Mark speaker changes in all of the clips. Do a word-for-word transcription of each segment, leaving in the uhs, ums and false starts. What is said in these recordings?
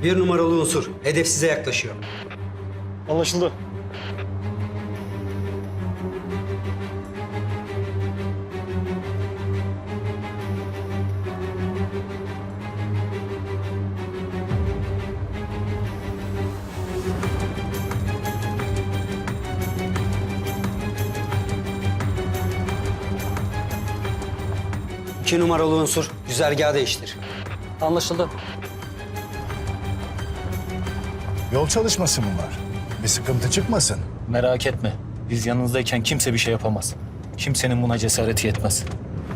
Speaker 1: Bir numaralı unsur. Hedef size yaklaşıyor.
Speaker 2: Anlaşıldı.
Speaker 1: İki numaralı unsur. Güzergahı değiştir.
Speaker 2: Anlaşıldı.
Speaker 3: Yol çalışması mı var? Bir sıkıntı çıkmasın.
Speaker 4: Merak etme. Biz yanınızdayken kimse bir şey yapamaz. Kimsenin buna cesareti yetmez.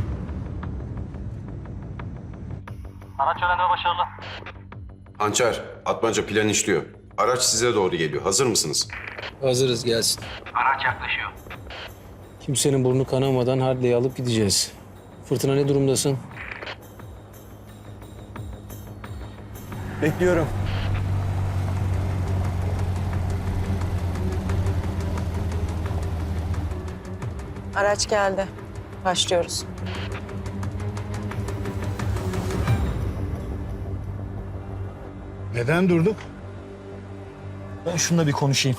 Speaker 2: Araç yönelme başarılı.
Speaker 5: Hançer, Atmaca plan işliyor. Araç size doğru geliyor. Hazır mısınız?
Speaker 6: Hazırız, gelsin.
Speaker 2: Araç yaklaşıyor.
Speaker 6: Kimsenin burnu kanamadan Harley'i alıp gideceğiz. Fırtına, ne durumdasın?
Speaker 2: Bekliyorum.
Speaker 7: Araç geldi. Başlıyoruz.
Speaker 3: Neden durduk?
Speaker 4: Ben şununla bir konuşayım.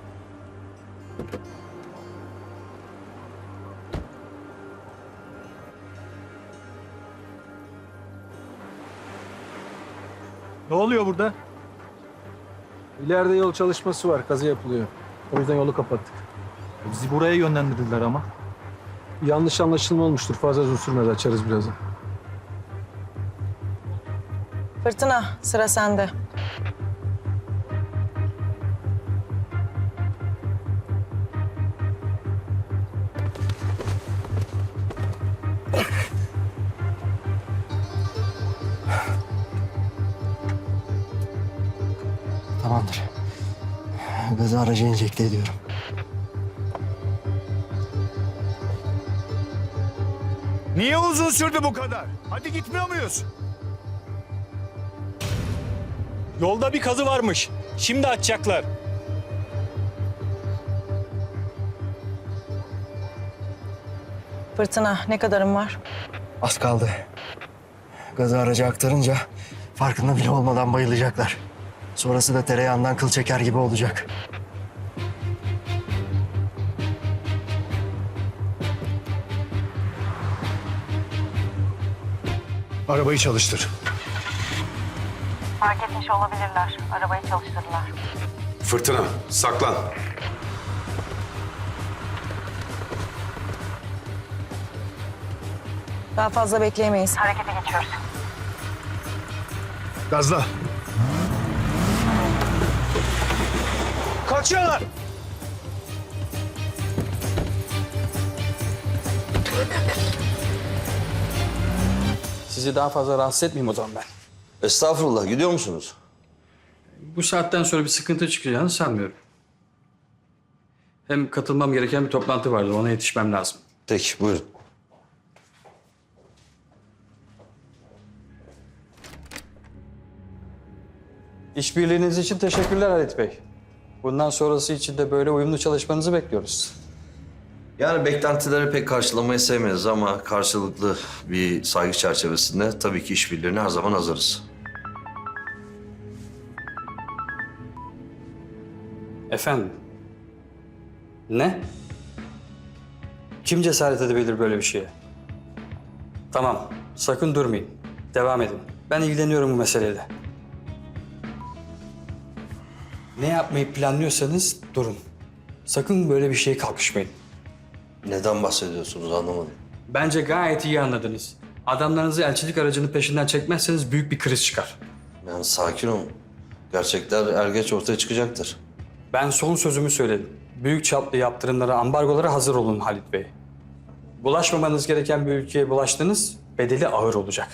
Speaker 2: Ne oluyor burada?
Speaker 6: İleride yol çalışması var, kazı yapılıyor. O yüzden yolu kapattık.
Speaker 4: Bizi buraya yönlendirdiler ama.
Speaker 6: Yanlış anlaşılma olmuştur. Fazla uzun sürmez, açarız birazdan.
Speaker 7: Fırtına, sıra sende.
Speaker 8: Tamamdır. Gazı araca enjekte ediyorum.
Speaker 3: Niye uzun sürdü bu kadar? Hadi gitmiyor muyuz?
Speaker 4: Yolda bir kazı varmış. Şimdi açacaklar.
Speaker 7: Fırtına, ne kadarım var?
Speaker 8: Az kaldı. Gazı araca aktarınca farkında bile olmadan bayılacaklar. Sonrası da tereyağından kıl çeker gibi olacak.
Speaker 3: Arabayı çalıştır.
Speaker 7: Fark etmiş olabilirler. Arabayı çalıştırdılar.
Speaker 5: Fırtına, saklan.
Speaker 7: Daha fazla bekleyemeyiz. Harekete geçiyoruz.
Speaker 3: Gazla.
Speaker 2: Kaçıyorlar.
Speaker 6: Sizi daha fazla rahatsız etmeyeyim o zaman ben.
Speaker 9: Estağfurullah, gidiyor musunuz?
Speaker 6: Bu saatten sonra bir sıkıntı çıkacağını sanmıyorum. Hem katılmam gereken bir toplantı vardı, ona yetişmem lazım.
Speaker 9: Peki, buyurun.
Speaker 6: İşbirliğiniz için teşekkürler Halit Bey. Bundan sonrası için de böyle uyumlu çalışmanızı bekliyoruz.
Speaker 9: Yani beklentileri pek karşılamayı sevmeyiz ama karşılıklı bir saygı çerçevesinde tabii ki işbirliğine her zaman hazırız.
Speaker 6: Efendim? Ne? Kim cesaret edebilir böyle bir şeye? Tamam, sakın durmayın. Devam edin. Ben ilgileniyorum bu meseleyle. Ne yapmayı planlıyorsanız durun. Sakın böyle bir şeye kalkışmayın.
Speaker 9: Neden bahsediyorsunuz anlamadım.
Speaker 6: Bence gayet iyi anladınız. Adamlarınızı elçilik aracının peşinden çekmezseniz büyük bir kriz çıkar.
Speaker 9: Yani sakin olun. Gerçekler er geç ortaya çıkacaktır.
Speaker 6: Ben son sözümü söyledim. Büyük çaplı yaptırımlara, ambargolara hazır olun Halit Bey. Bulaşmamanız gereken bir ülkeye bulaştınız, bedeli ağır olacak.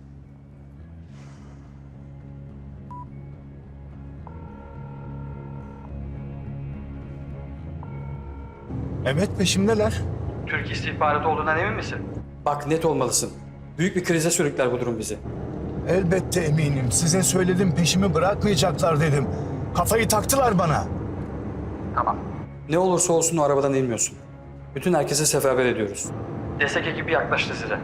Speaker 3: Evet, peşimdeler.
Speaker 6: Türk istihbaratı olduğundan emin misin? Bak, net olmalısın. Büyük bir krize sürükler bu durum bizi.
Speaker 3: Elbette eminim. Size söyledim, peşimi bırakmayacaklar dedim. Kafayı taktılar bana.
Speaker 6: Tamam. Ne olursa olsun o arabadan inmiyorsun. Bütün herkese seferber ediyoruz. Destek ekibi yaklaştı size.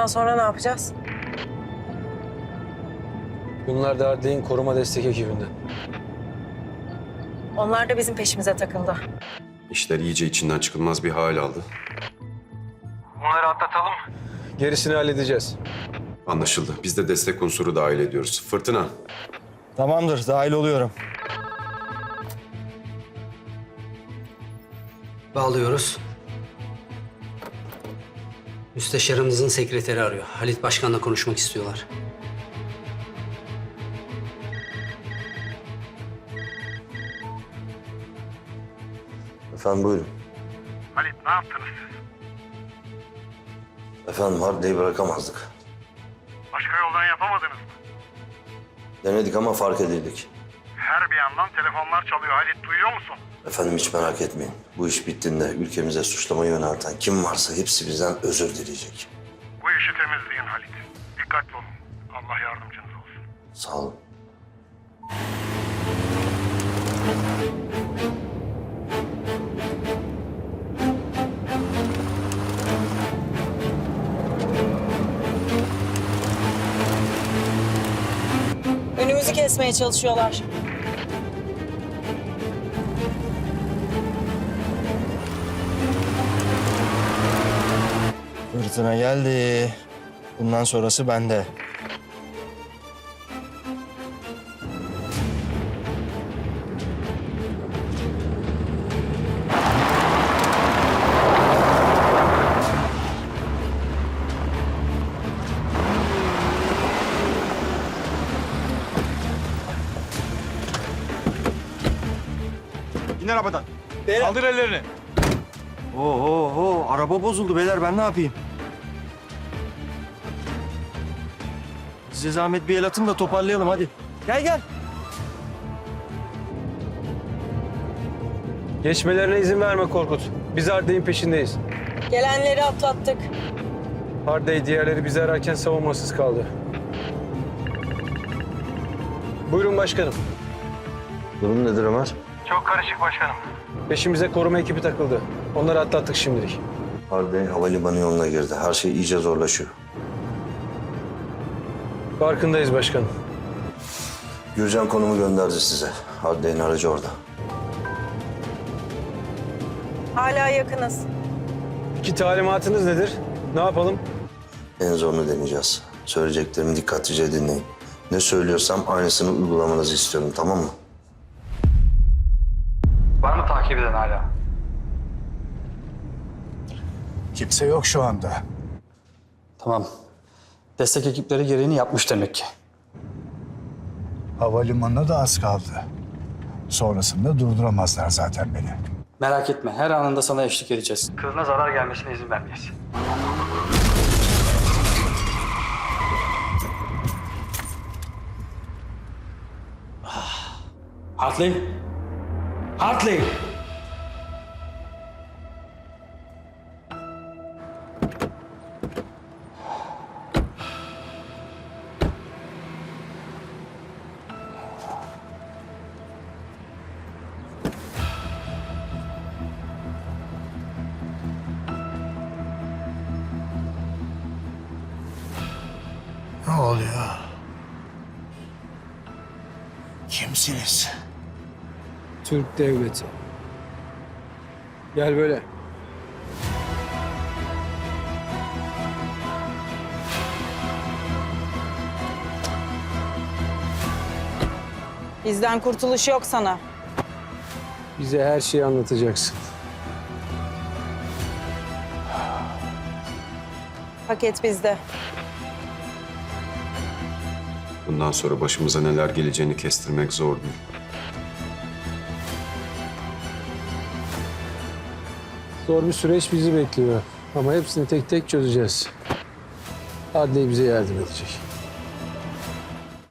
Speaker 7: Bundan sonra ne yapacağız?
Speaker 6: Bunlar da Adliy'in koruma destek ekibinden.
Speaker 7: Onlar da bizim peşimize takıldı.
Speaker 5: İşler iyice içinden çıkılmaz bir hal aldı.
Speaker 2: Bunları atlatalım.
Speaker 6: Gerisini halledeceğiz.
Speaker 5: Anlaşıldı. Biz de destek unsuru dahil ediyoruz. Fırtına,
Speaker 8: Tamamdır, dahil oluyorum.
Speaker 1: Bağlıyoruz. Müsteşarımızın sekreteri arıyor. Halit Başkan'la konuşmak istiyorlar.
Speaker 9: Efendim buyurun.
Speaker 2: Halit ne yaptınız siz?
Speaker 9: Efendim Harbiye'yi bırakamazdık.
Speaker 2: Başka yoldan yapamadınız mı?
Speaker 9: Denedik ama fark edildik.
Speaker 2: Her bir yandan telefonlar çalıyor Halit, duyuyor musun?
Speaker 9: Efendim hiç merak etmeyin. Bu iş bittiğinde ülkemize suçlamayı yönelten kim varsa hepsi bizden özür dileyecek.
Speaker 2: Bu işi temizleyin Halit. Dikkatli olun. Allah yardımcınız olsun.
Speaker 9: Sağ olun.
Speaker 7: Önümüzü kesmeye çalışıyorlar.
Speaker 8: Fırtına geldi. Bundan sonrası bende.
Speaker 2: İn arabadan. Kaldır ellerini.
Speaker 8: Oo, oo, oo, araba bozuldu beyler, ben ne yapayım? Size zahmet bir el atın da toparlayalım hadi. Gel gel.
Speaker 6: Geçmelerine izin verme Korkut. Biz Hardey'in peşindeyiz.
Speaker 7: Gelenleri atlattık.
Speaker 6: Hardey diğerleri bizi ararken savunmasız kaldı. Buyurun başkanım.
Speaker 9: Durum nedir Ömer?
Speaker 2: Çok karışık başkanım.
Speaker 6: Peşimize koruma ekibi takıldı. Onları atlattık şimdilik.
Speaker 9: Harbiye havalimanı yoluna girdi. Her şey iyice zorlaşıyor.
Speaker 6: Farkındayız başkanım.
Speaker 9: Gürcan konumu gönderdi size. Harbiye'nin aracı orada.
Speaker 7: Hala yakınız.
Speaker 6: İki talimatınız nedir? Ne yapalım?
Speaker 9: En zorunu deneyeceğiz. Söyleyeceklerimi dikkatlice dinleyin. Ne söylüyorsam aynısını uygulamanızı istiyorum, tamam mı?
Speaker 6: Var mı takip eden hala?
Speaker 3: Kimse yok şu anda.
Speaker 6: Tamam. Destek ekipleri gereğini yapmış demek ki.
Speaker 3: Havalimanına da az kaldı. Sonrasında durduramazlar zaten beni.
Speaker 6: Merak etme, her anında sana eşlik edeceğiz. Kılına zarar gelmesine izin vermeyiz. Hartley! Hartley!
Speaker 3: Ne oluyor? Kimsiniz?
Speaker 6: Türk devleti. Gel böyle.
Speaker 7: Bizden kurtuluş yok sana.
Speaker 6: Bize her şeyi anlatacaksın.
Speaker 7: Paket bizde.
Speaker 5: bundan sonra başımıza neler geleceğini kestirmek zor değil.
Speaker 6: Zor bir süreç bizi bekliyor. Ama hepsini tek tek çözeceğiz. Adliye bize yardım edecek.